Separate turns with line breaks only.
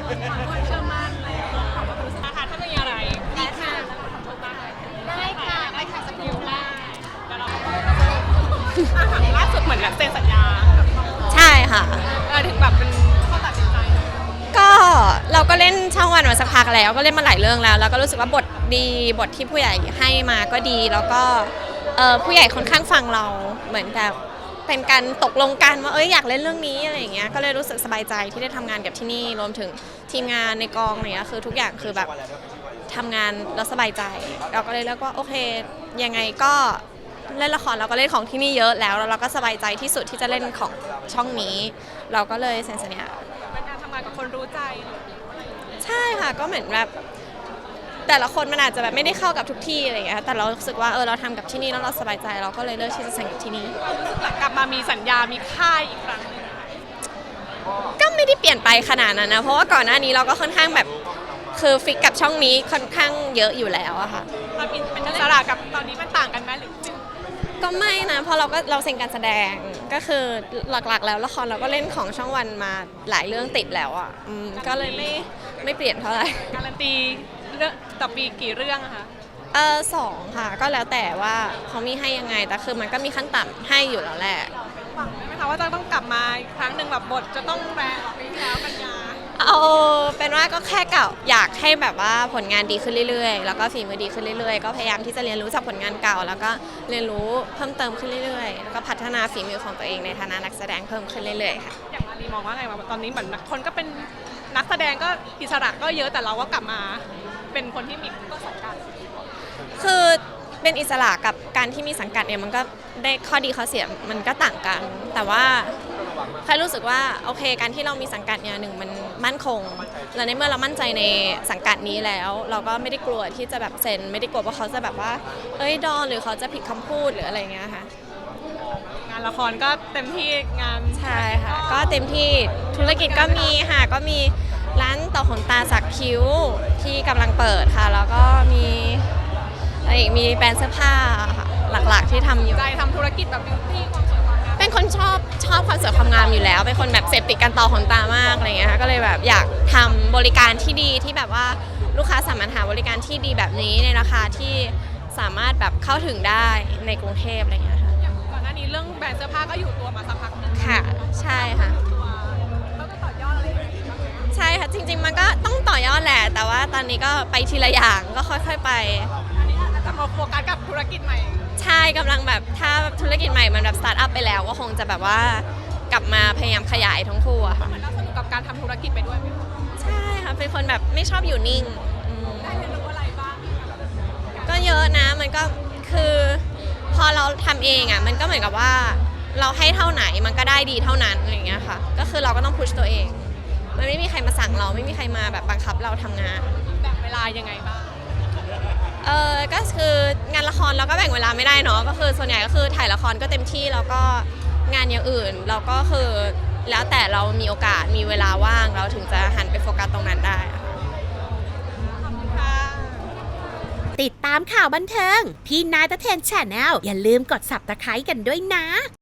เชื่อมั่นเลยของความรู้สึกนะคะถ้ามีอะไรได้ค่ะขอโทษบ้างได้ค่ะสักนิดได้เดี๋ยวเราล่าสุดเหมือนกับเซ็นสัญญา
ใช่ค่ะ
ถึงแบบเป็นข้อตัดสินใจ
ก็เราก็เล่นช่องวันมาสักพักแล้วก็เล่นมาหลายเรื่องแล้วก็รู้สึกว่าบทดีบทที่ผู้ใหญ่ให้มาก็ดีแล้วก็ผู้ใหญ่ค่อนข้างฟังเราเหมือนแบบเป็นการตกลงกันว่าอยากเล่นเรื่องนี้อะไรอย่างเงี้ยก็เลยรู้สึกสบายใจที่ได้ทำงานกับที่นี่รวมถึงทีมงานในกองอะไรเงี้ยคือทุกอย่างคือแบบทำงานแล้วสบายใจเราก็เลยเลือกว่าโอเคยังไงก็เล่นละครเราก็เล่นของที่นี่เยอะแล้วเราก็สบายใจที่สุดที่จะเล่นของช่องนี้เราก็เลยเซ็นสัญญา
เป็นการทำงานกับคนรู้ใจ
ใช่ค่ะก็เหมือนแบบแต่ละคนมันอาจจะแบบไม่ได้เข้ากับทุกที่อะไรอย่างเงี้ยแต่เรารู้สึกว่าเราทำกับที่นี่แล้วเราสบายใจเราก็เลยเลือกที่จะเซ็นกับที่นี่
หลังกลับมามีสัญญามีค่ายอีกครั้งนึง
ก็ไม่ได้เปลี่ยนไปขนาดนั้นนะเพราะว่าก่อนหน้านี้เราก็ค่อนข้างแบบคือฟิกกับช่องนี้ค่อนข้างเยอะอยู่แล้วอะค่ะ
เป็นอิสระกับตอนนี้มันต่างกันไหมหรือ
ก็ไม่นะเพราะเราเซ็นการแสดงก็คือหลักๆแล้วละครเราก็เล่นของช่องวันมาหลายเรื่องติดแล้วอ่ะก็เลยไม่เปลี่ยนเท่าไหร่
การันตีเรื่องต่อปีกี่เรื่องอะคะ
สองค่ะก็แล้วแต่ว่าเขามีให้ยังไงแต่คือมันก็มีขั้นต่ำให้อยู่แล้วแหละ
หวังไหมคะว่าจะต้องกลับมาอีกครั้งหนึ่งแบบบทจะต้องแรงปีที่แล้วกันยา
เอาเป็นว่าก็แค่เก่าอยากให้แบบว่าผลงานดีขึ้นเรื่อยๆแล้วก็ฝีมือดีขึ้นเรื่อยๆก็พยายามที่จะเรียนรู้จากผลงานเก่าแล้วก็เรียนรู้เพิ่มเติมขึ้นเรื่อยๆแล้วก็พัฒนาฝีมือของตัวเองในฐานะนักแสดงเพิ่มขึ้นเรื่อยๆค่ะ
อย่างมารีมองว่าไงว่าตอนนี้เหมือนคนก็เป็นนักแสดงก็อิสระก็เยอะแต่เราก็กลับมาเป็นคนที่มีต้นสังกัด
คือเป็นอิสระกับการที่มีสังกัดเนี่ยมันก็ได้ข้อดีข้อเสียมันก็ต่างกันแต่ว่าใครรู้สึกว่าโอเคการที่เรามีสังกัดเนี่ยหนึ่งมันมั่นคงและในเมื่อเรามั่นใจในสังกัดนี้แล้วเราก็ไม่ได้กลัวที่จะแบบเซ็นไม่ได้กลัวว่าเขาจะแบบว่าดอนหรือเขาจะผิดคำพูดหรืออะไรเงี้ยค่ะ
งานละครก็เต็มที่งาน
ใช่ค่ะก็เต็มที่ธุรกิจก็มีค่ะก็มีร้านต่อขนตาสักคิ้วที่กำลังเปิดค่ะแล้วก็มีมีแบรนด์เสื้อผ้าค่ะหลักๆที่ทำอยู่
ใจทำธุรกิจแบบบิวตี้ความสวยความงาม
เป็นคนชอบความสวยความงามอยู่แล้วเป็นคนแบบเสพติดการต่อขนตามากอะไรเงี้ยค่ะก็เลยแบบอยากทำบริการที่ดีที่แบบว่าลูกค้าสามารถหาบริการที่ดีแบบนี้ในราคาที่สามารถแบบเข้าถึงได้ในกรุงเทพอะไรเงี้ยค่ะ
ก่อนหน้านี้เรื่องแบรนด์เสื้อผ้าก็อยู่ตัวมาสักพักนึง
ค่ะใช่ค่ะ
แล้วก็ต่อยอดอะไรอย่างเงี้ย
ใช่ค่ะจริงๆมันก็ต้องต่อยอดแหละแต่ว่าตอนนี้ก็ไปทีละอย่างก็ค่อยๆไป
จะมาโฟกัสกับธุรกิจใหม่
ใช่กำลังแบบถ้าธุรกิจใหม่มันแบบสตาร์ทอัพไปแล้วก็คงจะแบบว่ากลับมาพยายามขยายทั้งคู่อะค่ะ
มันน่าสนุกกับการทำธุรกิจไปด้วยไหม
ใช่ค่ะเป็นคนแบบไม่ชอบอยู่นิ่ง
ได้เรียนรู้อะไรบ้าง
ก็เยอะนะมันก็คือพอเราทำเองอะมันก็เหมือนกับว่าเราให้เท่าไหนมันก็ได้ดีเท่านั้นอะไรอย่างเงี้ยค่ะก็คือเราก็ต้องพุชตัวเองมันไม่มีใครมาสั่งเราไม่มีใครมาแบบบังคับเราทำงาน
แบ่งเวลายังไงบ้าง
ก็คืองานละครเราก็แบ่งเวลาไม่ได้เนาะก็คือส่วนใหญ่ก็คือถ่ายละครก็เต็มที่แล้วก็งานอย่างอื่นเราก็คือแล้วแต่เรามีโอกาสมีเวลาว่างเราถึงจะหันไปโฟกัสตรงนั้นได้
ติดตามข่าวบันเทิงพี่นายตะเทนแชนแนลอย่าลืมกด Subscribe กันด้วยนะ